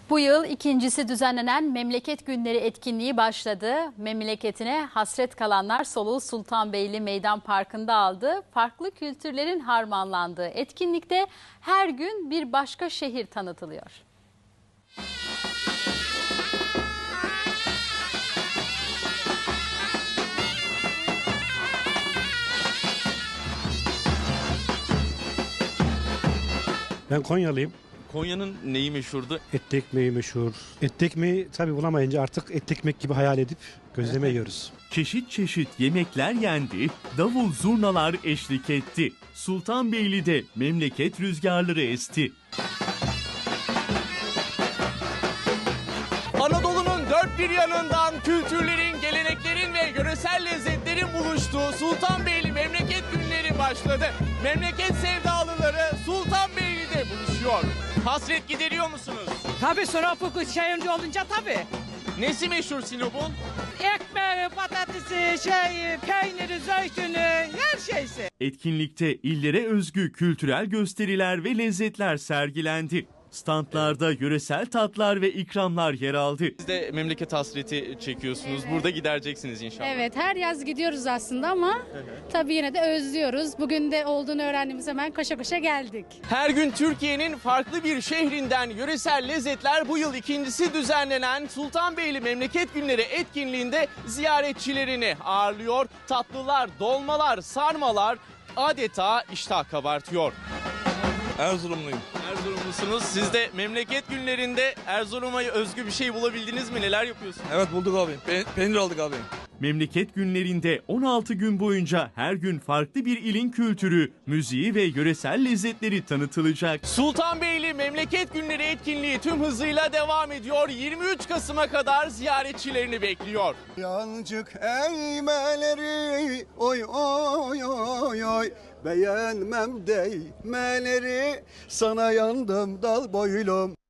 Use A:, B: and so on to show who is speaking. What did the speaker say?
A: Bu yıl ikincisi düzenlenen Memleket Günleri etkinliği başladı. Memleketine hasret kalanlar soluğu Sultanbeyli Meydan Parkı'nda aldı. Farklı kültürlerin harmanlandığı etkinlikte her gün bir başka şehir tanıtılıyor.
B: Ben Konyalıyım.
C: Konya'nın neyi meşhurdu?
B: Etli ekmeği meşhur. Etli ekmeği tabii bulamayınca artık etli ekmek gibi hayal edip gözleme yiyoruz.
D: Çeşit çeşit yemekler yendi, davul zurnalar eşlik etti. Sultanbeyli'de memleket rüzgarları esti.
C: Anadolu'nun dört bir yanından kültürlerin, geleneklerin ve yöresel lezzetlerin buluştuğu Sultanbeyli Memleket Günleri başladı. Memleket sevdalıları Sultanbeyli'de buluşuyor. Hasret gideriyor musunuz?
E: Tabii Sinop'u şehirci olunca tabii.
C: Nesi meşhur Sinop'un?
E: Ekmeği, patatesi, peyniri, zeytini, her şeysi.
D: Etkinlikte illere özgü kültürel gösteriler ve lezzetler sergilendi. Standlarda yöresel tatlar ve ikramlar yer aldı.
C: Siz de memleket hasreti çekiyorsunuz. Burada gidereceksiniz inşallah.
F: Evet, her yaz gidiyoruz aslında ama tabii yine de özlüyoruz. Bugün de olduğunu öğrendiğimiz hemen koşa koşa geldik.
C: Her gün Türkiye'nin farklı bir şehrinden yöresel lezzetler bu yıl ikincisi düzenlenen Sultanbeyli Memleket Günleri etkinliğinde ziyaretçilerini ağırlıyor. Tatlılar, dolmalar, sarmalar adeta iştah kabartıyor.
G: Erzurumluyum.
C: Erzurumlusunuz. Siz de memleket günlerinde Erzurum'a özgü bir şey bulabildiniz mi? Neler yapıyorsunuz?
G: Evet bulduk abi. Peynir aldık abi.
D: Memleket günlerinde 16 gün boyunca her gün farklı bir ilin kültürü, müziği ve yöresel lezzetleri tanıtılacak.
C: Sultanbeyli Memleket Günleri etkinliği tüm hızıyla devam ediyor. 23 Kasım'a kadar ziyaretçilerini bekliyor.
H: Yancık eğmeleri oy oy oy oy, beğenmem değmeleri, sana yandım dal boylum.